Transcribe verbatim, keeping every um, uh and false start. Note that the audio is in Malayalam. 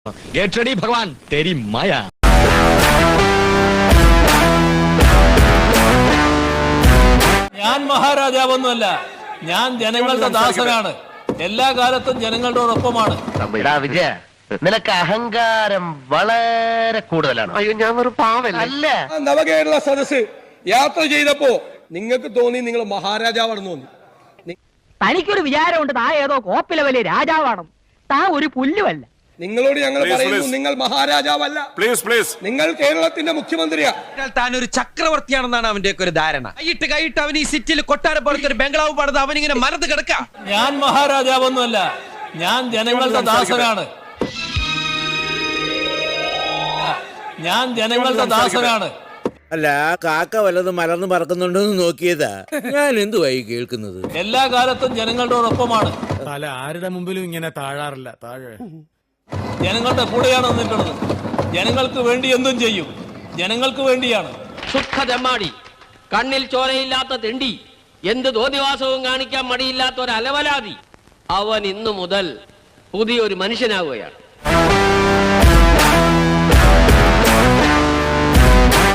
Get ready, Bhagwan. Teri Maya. ഞാൻ മഹാരാജാവൊന്നുമല്ല, ഞാൻ ജനങ്ങളുടെ ദാസനാണ്. എല്ലാ കാലത്തും ജനങ്ങളോടൊപ്പമാണ്. വിജയ, നിനക്ക് അഹങ്കാരം വളരെ കൂടുതലാണ്. അയ്യോ, ഞാൻ ഒരു പാവല്ല. അല്ല, നവകേരള സദസ് യാത്ര ചെയ്തപ്പോ നിങ്ങൾക്ക് തോന്നി നിങ്ങൾ മഹാരാജാവാണെന്ന് തോന്നി. തനിക്കൊരു വിചാരമുണ്ട് താ ഏതോ കോപ്പിലെ വലിയ രാജാവാണ്. താ ഒരു പുല്ലുമല്ല. നിങ്ങളോട് ഞങ്ങൾ പറയുന്നു, നിങ്ങൾ മഹാരാജാവല്ല. പ്ലീസ് പ്ലീസ് നിങ്ങൾ കേരളത്തിന്റെ മുഖ്യമന്ത്രിയാ. താൻ ഒരു ചക്രവർത്തിയാണെന്നാണ് അവന്റെ ഒക്കെ ഒരു ധാരണ. കൈയിട്ട് കൈയിട്ട് അവൻ ഈ സിറ്റിയിൽ കൊട്ടാരം പോലത്തെ ഒരു ബംഗ്ലാവ് പണിത് അവനിങ്ങനെ മരത്ത് കിടക്ക. ഞാൻ മഹാരാജാവൊന്നുമല്ല, ഞാൻ ജനങ്ങളുടെ ദാസനാണ്. ഞാൻ ജനങ്ങളുടെ ദാസനാണ്. അല്ല, കാക്ക വല്ലതും മലർന്ന് പറക്കുന്നുണ്ടെന്ന് നോക്കിയതാ. ഞാൻ എന്തുവായി കേൾക്കുന്നത്? എല്ലാ കാലത്തും ജനങ്ങളോടൊപ്പമാണ്. തല ആരുടെ മുമ്പിലും ഇങ്ങനെ താഴാറില്ല. താഴെ ജനങ്ങളുടെ കൂടെയാണ് നിന്നിട്ടുള്ളത്. ജനങ്ങൾക്ക് വേണ്ടി എന്തും ചെയ്യും. ജനങ്ങൾക്ക് വേണ്ടിയാണ്. സുഖതെമ്മാടി, കണ്ണിൽ ചോരയില്ലാത്ത തെണ്ടി, എന്ത് തോന്നിവാസവും കാണിക്കാൻ മടിയില്ലാത്ത ഒരു അലവലാതി, അവൻ ഇന്നു മുതൽ പുതിയൊരു മനുഷ്യനാവുകയാണ്.